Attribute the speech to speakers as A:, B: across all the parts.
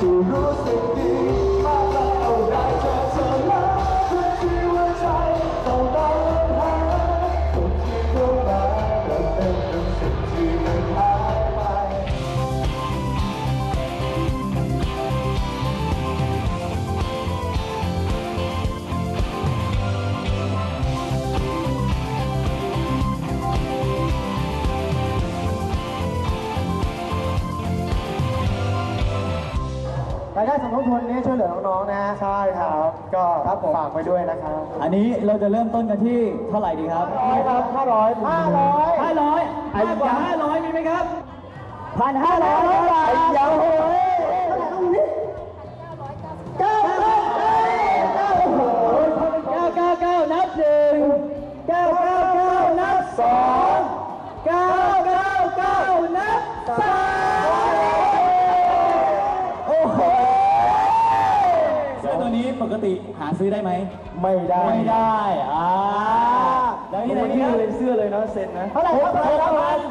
A: ที่รู้สึกดีมากแล้วได้เจอเธอแล้วทุกที่ว่าใจต้องเดินหาทุกที่เข้ามาก็เป็นสิ่งที่มันหายไปรายได้สมทบทุนนี้ช่วยเหลือน้องๆนะฮะใช่ครับก็ครับฝากไปด้วยนะครับ
B: อันนี้เราจะเริ่มต้นกันที่เท่าไหร่ดีครับ
A: ครับ500
B: กว่า500มีไหมครับ
A: 1,500 บาทยังโอ้ย
B: 999นับ1 999นับ2 999นับ3โอ้โหเสื้อตัวนี้ปกติหาซื้อได้ไหม
A: ไม่ได้
B: แล้วนี่ไหน
A: ที่
B: ครับ
A: เลยเสื้อเลยนะเซ็นนะ
B: เท่าไหร่ครับ6,000ครับ6,000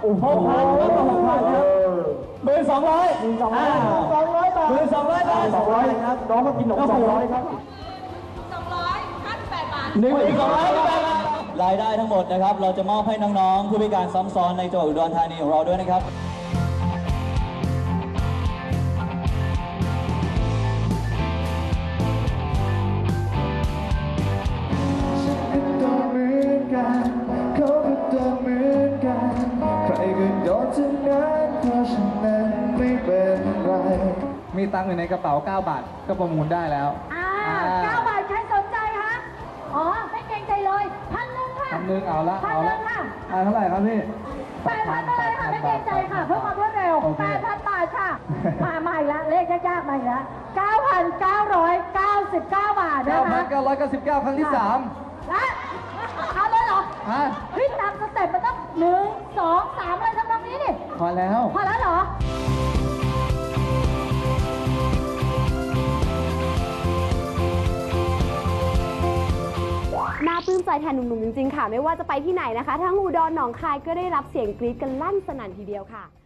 B: ครับ1200
A: 1,200 บาท
B: 1200 บาท
A: 200ครับน้องก็กินขนม200ครับ
C: 258 บาท
B: 1,200 บาทรายได้ทั้งหมดนะครับเราจะมอบให้น้องๆผู้พิการซ้ำซ้อนในจังหวัดอุดรธานีของเราด้วยนะครับ
A: เขาก็โดนเหมือนกันใครก็โดนทั้งนั้นเพราะฉะนั้นไม่เป็นไรมีตังค์อยู่ในกระเป๋า9 บาทก็ประมูลได้แล้ว
C: 9 บาทใครสนใจคะอ๋อไม่เกรงใจเลย1,000ค่ะ
A: 1,000เอาละ
C: 1,000ค่ะ
A: เท่าไหร่ครับพี่
C: 8,000ไปเลยค่ะไม่เกรงใจค่ะเพื่อความรวดเร็ว8,000 บาทค่ะมาอีกแล้วเลขยากๆมาอีกแล้ว 9,999 บาทนะคะ
A: 9,999 ครั้งที่3
C: และเอาเลยเหรอเฮ้ยตามสเต็ปมันต้อง1 2 3อะไรทำนองนี้นี่
A: พอแล้ว
C: เหรอ
D: น่าปลื้มใจแทนหนุ่มๆจริงๆค่ะไม่ว่าจะไปที่ไหนนะคะทั้งอุดรหนองคายก็ได้รับเสียงกรี๊ดกันลั่นสนั่นทีเดียวค่ะ